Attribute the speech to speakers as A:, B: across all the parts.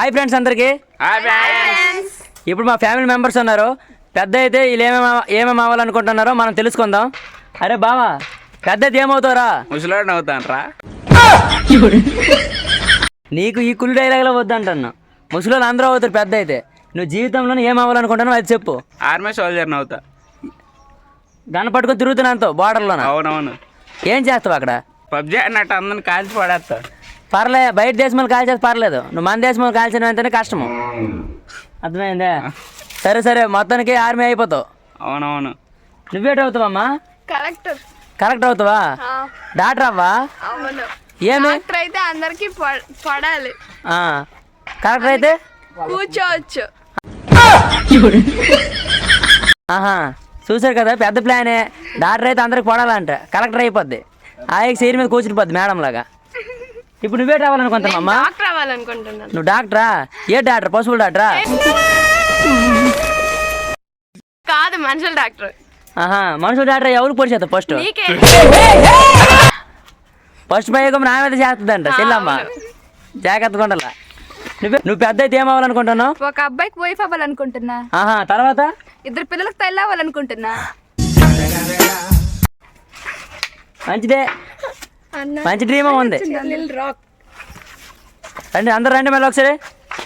A: Hi friends అందరికి. ఇప్పుడు మా ఫ్యామిలీ మెంబర్స్ ఉన్నారు. పెద్ద అయితే వీళ్ళు ఏమేమి అవ్వాలనుకుంటున్నారో మనం తెలుసుకుందాం. అరే బావా, పెద్ద అయితే ఏమవుతారా?
B: ముసలాడు అవుతానరా.
A: నీకు ఈ కుళ్ళు డైలాగ్లో వద్దంటున్నా. ముసలోళ్ళు అందరూ అవుతారు పెద్ద అయితే. నువ్వు జీవితంలో ఏం అవ్వాలనుకుంటున్నావు అది చెప్పు.
B: ఆర్మీ సోల్జర్ని అవుతా.
A: గన్ పట్టుకొని తిరుగుతున్నాను బార్డర్లో.
B: అవునవును.
A: ఏం చేస్తావు అక్కడ?
B: పబ్జీ అన్నట్టు అందరిని కాల్చి పడేస్తా.
A: పర్లే, బయట దేశం వాళ్ళు కాల్చేది పర్లేదు, నువ్వు మన దేశం వాళ్ళు కాల్చిన వెంటనే కష్టము. అర్థమైందే? సరే సరే, మొత్తానికి ఆర్మీ అయిపోతావు.
B: అవునవును.
A: నువ్వేట అవుతావమ్మా? కలెక్టర్ అవుతావా? డాక్టర్ అవ్వా? ఏమి
C: అయితే అందరికి పడాలి,
A: కలెక్టర్ అయితే
C: కూర్చోవచ్చు.
A: ఆహా, చూసారు కదా, పెద్ద ప్లానే. డాక్టర్ అయితే అందరికి పడాలంట, కలెక్టర్ అయిపోద్ది. ఆయనకి సైడ్ మీద కూర్చుని పోద్ది మేడం లాగా. ఇప్పుడు నువ్వే రావాలనుకుంటున్నావమ్మా?
C: డాక్టర్ అవ్వాలనుకుంటున్నాను.
A: నువ్వు డాక్టరా? ఏ డాక్టర్? పశువుల డాక్టరా?
C: కాదు, మనుషుల డాక్టర్.
A: ఆహా, మనుషుల డాక్టర్ ఎవరికి పొడి చేస్తావు? ఫస్ట్ ప్రయోగం నా మీద చేస్తుందంట చెల్లమ్మ, జాగ్రత్తగా ఉండాల. నువ్వు పెద్ద అయితే ఏమవ్వాలనుకుంటున్నావు?
D: ఒక అబ్బాయికి వైఫ్ అవ్వాలనుకుంటున్నా.
A: ఆహా, తర్వాత
D: 2 పిల్లలకు తల్లి అవ్వాలనుకుంటున్నా.
A: మంచిదే, మంచి డ్రీమ్ ఉంది. రండి అందరు రండి మళ్ళీ ఒకసారి.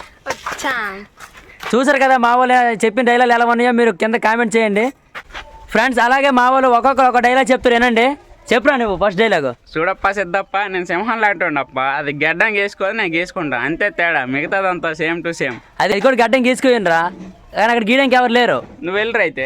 A: చూసారు కదా మా వాళ్ళు చెప్పిన డైలాగ్ ఎలా ఉన్నాయో మీరు కింద కామెంట్ చేయండి ఫ్రెండ్స్. అలాగే మా వాళ్ళు ఒక్కొక్కరు ఒక డైలాగ్ చెప్తారు, వినండి. చెప్పురా నువ్వు ఫస్ట్ డైలాగ్.
B: చూడప్ప సిద్ధప్ప, నేను సింహం లాంటిండప్ప. అది గడ్డం గీసుకోవాలి, నేను గీసుకుంటా, అంతే తేడా. మిగతాదంతా సేమ్ టు సేమ్.
A: అది కూడా గడ్డం గీసుకోయినరా, కానీ అక్కడ గీయడానికి ఎవరు లేరు.
B: నువ్వు వెళ్ళరు అయితే.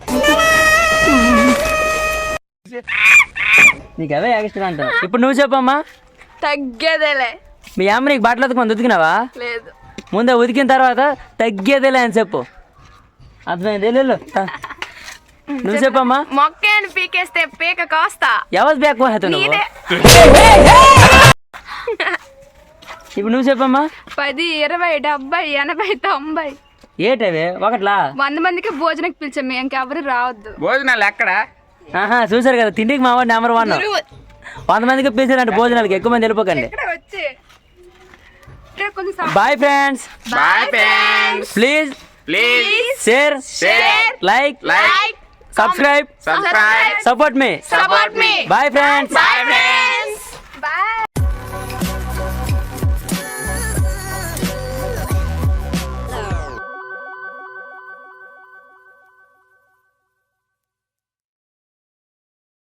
A: నీకు అవే ఎక్స్ట్రా అంటాను. ఇప్పుడు నువ్వు చెప్పమ్మా.
C: తగ్గేదేలే.
A: మీ అమ్మ నీకు బట్టలు ఉతుకుని ఉతికినావా?
C: లేదు.
A: ముందే ఉతికిన తర్వాత తగ్గేదేలే అని చెప్పు. అర్థమైంది? వెళ్ళు. నువ్వు చెప్పమ్మా.
C: మొక్కని పీకేస్తే పీక కాస్తా.
A: ఎవరు బ్యాక్ నువ్వు? ఇప్పుడు నువ్వు చెప్పమ్మా.
D: 10, 20, 70, 80, 90.
A: ఏటవి ఒకట్లా?
D: 100 మందికి భోజనకి పిలిచాము, ఇంకెవరు రావద్దు.
B: భోజనాలు ఎక్కడ?
A: ఆహా, చూసారు కదా, తిండికి మా వాడు నెంబర్ 1. 100 మందికి పిలిచారంటే భోజనాలకి. ఎక్కువ మంది వెళ్ళిపోకండి. Bye friends. Please share, like, subscribe, support మీ. Bye friends.